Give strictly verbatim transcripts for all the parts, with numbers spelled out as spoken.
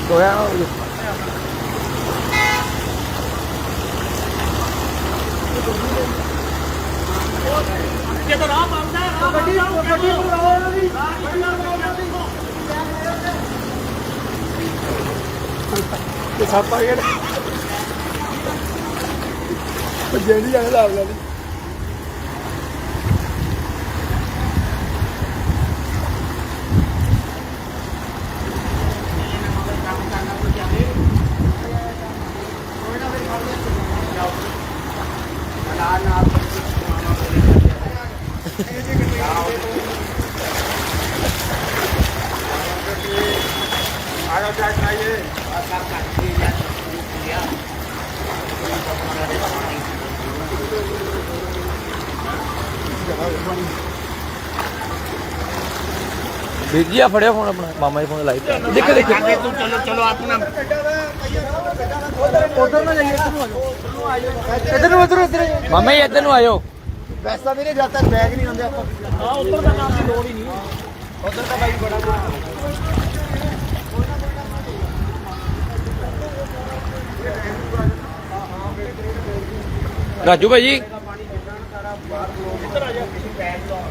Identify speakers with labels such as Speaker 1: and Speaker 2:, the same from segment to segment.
Speaker 1: ਹੋਇਆ
Speaker 2: ਜਦੋਂ ਰਾਹ ਬੰਦ ਹੈ ਗੱਡੀ ਗੱਡੀ ਬੁਲਾਓ ਇਹਨਾਂ ਦੀ
Speaker 1: ਤੇ ਸੱਪ ਆ ਗਿਆ ਜਿਹੜੀ ਜਾਣੇ ਲਾ ਲਾ ਵੀਰ ਜੀ ਆ ਫੜਿਆ ਫੋਨ ਆਪਣਾ ਮਾਮਾ ਜੀ ਫੋਨ ਲਾਈਵ ਦੇਖੋ ਦੇਖੋ
Speaker 2: ਚਲੋ ਚਲੋ ਆਪਣਾ
Speaker 1: ਉਧਰ ਨਾ ਜਾਈਏ ਇੱਧਰ ਨੂੰ ਇੱਧਰ ਇੱਧਰ ਮਾਮਾ ਜੀ ਇੱਧਰ ਨੂੰ ਆਇਓ
Speaker 3: ਵੈਸਾ ਵੀਰੇ ਜਦ ਤੱਕ ਬੈਗ ਨਹੀਂ ਹੁੰਦੇ ਆਪਾਂ
Speaker 2: ਹਾਂ ਉੱਧਰ ਦਾ ਨਾਮ ਦੀ ਲੋੜ ਹੀ ਨਹੀਂ
Speaker 3: ਉਧਰ ਤਾਂ ਬਾਈ ਬੜਾ
Speaker 1: ਰਾਜੂ ਭਾਈ ਜੀ
Speaker 2: ਇੱਧਰ ਆ ਜਾ ਬੈਗ ਲਾਉਣ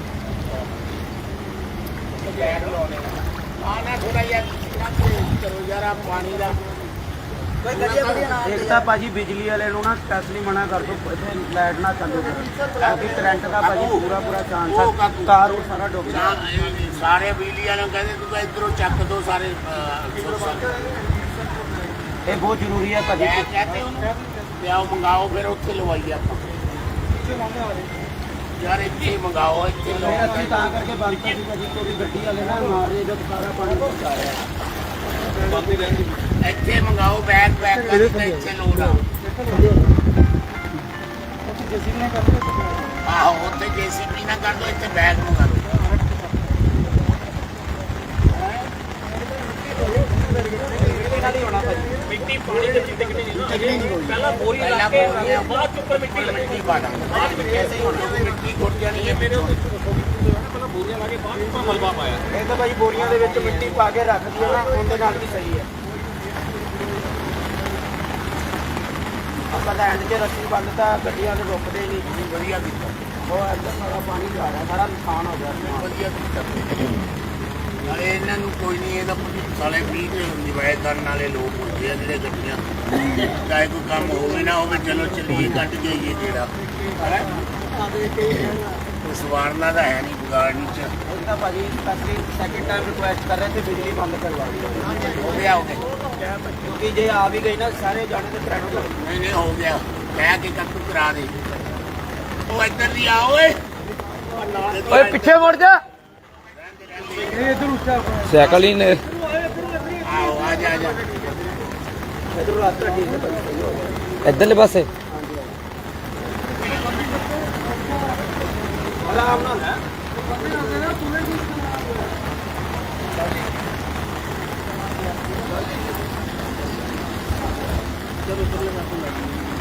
Speaker 2: ਬੈਗ ਲਾਉਣੇ ਆ ਨਾ ਥੋੜਾ ਜਿਹਾ ਕਰੋ ਯਾਰ ਆ ਪਾਣੀ ਦਾ
Speaker 3: ਇੱਕ ਤਾਂ ਭਾਜੀ ਬਿਜਲੀ ਵਾਲੇ ਨੂੰ ਨਾ ਸਪੈਸ਼ਲੀ ਮਨਾ ਕਰ ਦੋ ਇੱਥੇ ਲਾਈਟ ਨਾ ਚੱਲੋ ਕਿਉਂਕਿ ਕਰੰਟ ਦਾ ਭਾਜੀ ਪੂਰਾ ਪੂਰਾ ਚਾਂਸ ਹੈ ਤਾਰ ਉਹ ਸਾਰਾ ਡੁੱਬ ਜਾਣਾ
Speaker 2: ਸਾਰੇ ਬਿਜਲੀ ਵਾਲਿਆਂ ਨੂੰ ਕਹਿੰਦੇ ਤੂੰ ਇਧਰੋਂ ਚੱਕ ਦੋ ਸਾਰੇ
Speaker 3: ਇਹ ਬਹੁਤ ਜ਼ਰੂਰੀ ਹੈ ਭਾਜੀ
Speaker 2: ਮੈਂ ਕਹਤੇ ਉਹਨੂੰ ਪਿਆਓ ਮੰਗਾਓ ਫਿਰ ਉੱਥੇ ਲਵਾਈਏ ਆਪਾਂ ਯਾਰ ਇੱਥੇ ਮੰਗਾਓ ਇੱਥੇ
Speaker 3: ਫਿਰ
Speaker 2: ਲਵਾਓ
Speaker 3: ਅਸੀਂ ਤਾਂ ਕਰਕੇ ਬੰਦ ਕਰ ਦਿੱਤਾ ਜੀ ਕੋਈ ਗੱਡੀ ਵਾਲੇ ਨਾ ਮਾਰੇ ਜਦ ਸਾਰਾ ਪਾਣੀ ਪਹੁੰਚਾ ਰਿਹਾ
Speaker 2: ਇੱਥੇ ਮੰਗਾਓ ਬੈਗ ਬੈਗ ਕਰਕੇ ਇੱਥੇ ਲੋੜ ਆ ਆਹੋ ਉੱਥੇ ਜੇਸੀਬੀ ਨਾ ਕਰ ਦੋ ਇੱਥੇ ਬੈਗ ਮੰਗਾ ਦੋ ਮਿੱਟੀ ਪਾਣੀ ਦੇ ਜਿੱਤੇ ਕਿਤੇ ਨਹੀਂ ਪਹਿਲਾਂ ਬੋਰੀ ਲਾ ਕੇ ਬਾਅਦ ਚ ਉੱਪਰ ਮਿੱਟੀ ਮਿੱਟੀ ਪਾ ਦਾਂਗੇ ਬਾਅਦ ਵਿੱਚ ਐਸੇ ਹੀ ਹੋਣਾ ਮਿੱਟੀ ਘੁੱਟ ਜਾਣੀ ਹੈ ਮੇਰੇ ਉੱਤੇ ਪਹਿਲਾਂ ਬੋਰੀਆਂ ਲਾ ਕੇ ਬਾਅਦ ਵਿੱਚ ਮਲਬਾ ਪਾਇਆ
Speaker 3: ਇਹ ਤਾਂ ਭਾਈ ਬੋਰੀਆਂ ਦੇ ਵਿੱਚ ਮਿੱਟੀ ਪਾ ਕੇ ਰੱਖ ਦਈਏ ਨਾ ਉਹਦੇ ਨਾਲ ਵੀ ਸਹੀ ਹੈ ਆਪਾਂ ਤਾਂ ਐਂਡ 'ਚ ਰੱਸੀ ਬੰਦ ਤਾਂ ਗੱਡੀਆਂ ਨੂੰ ਰੁਕਦੇ ਹੀ ਨਹੀਂ
Speaker 2: ਵਧੀਆ ਕੀਤਾ
Speaker 3: ਉਹ ਇੱਧਰ ਸਾਰਾ ਪਾਣੀ ਜਾ ਰਿਹਾ ਸਾਰਾ ਨੁਕਸਾਨ ਹੋ ਗਿਆ
Speaker 2: ਵਧੀਆ ਕੀਤਾ ਨਾਲੇ ਇਹਨਾਂ ਨੂੰ ਕੋਈ ਨਹੀਂ ਇਹਦਾ ਸਾਲੇ ਵੀਹ ਦੇ ਨਿਵਾਏ ਕਰਨ ਵਾਲੇ ਲੋਕ ਹੁੰਦੇ ਆ ਜਿਹੜੇ ਗੱਡੀਆਂ ਚਾਹੇ ਕੋਈ ਕੰਮ ਹੋਵੇ ਨਾ ਹੋਵੇ ਚਲੋ ਚੱਲੀਏ ਕੱਢ ਜਾਈਏ ਜਿਹੜਾ ਉਸ ਵਾਰਨਾ ਦਾ ਹੈ ਨਹੀਂ ਵਿਗਾੜਨੀ ਚ
Speaker 3: ਉਹ ਤਾਂ ਭਾਜੀ ਸਪੈਸ਼ਲੀ ਸੈਕਿੰਡ ਟਾਈਮ ਰਿਕੁਐਸਟ ਕਰ ਰਹੇ ਤੇ ਬਿਜਲੀ ਬੰਦ ਕਰਵਾ ਦਿਓ
Speaker 2: ਹੋ ਗਿਆ ਹੋ ਗਿਆ
Speaker 3: ਕਿਉਂਕਿ ਜੇ ਆ ਵੀ ਗਈ ਨਾ ਸਾਰੇ ਜਾਣੇ ਤੇ ਕਰੰਟ ਲੱਗ
Speaker 2: ਨਹੀਂ ਨਹੀਂ ਹੋ ਗਿਆ ਕਹਿ ਕੇ ਕੱਟ ਕਰਾ ਦੇ ਉਹ ਇੱਧਰ ਦੀ ਆ ਓਏ
Speaker 1: ਓਏ ਪਿੱਛੇ ਮੁੜ ਜਾ ਸਾਈਕਲ ਹੀ ਨੇ
Speaker 2: ਆਓ ਆ ਜਾ ਆ ਜਾ
Speaker 3: ਇਧਰੋਂ ਰਾਸਤਾ ਠੀਕ ਹੈ ਭਾਜੀ ਸਹੀ ਹੋ ਗਿਆ
Speaker 1: ਇੱਧਰਲੇ ਪਾਸੇ
Speaker 3: ਆਰਾਮ ਨਾਲ ਹੈ ਜਦੋਂ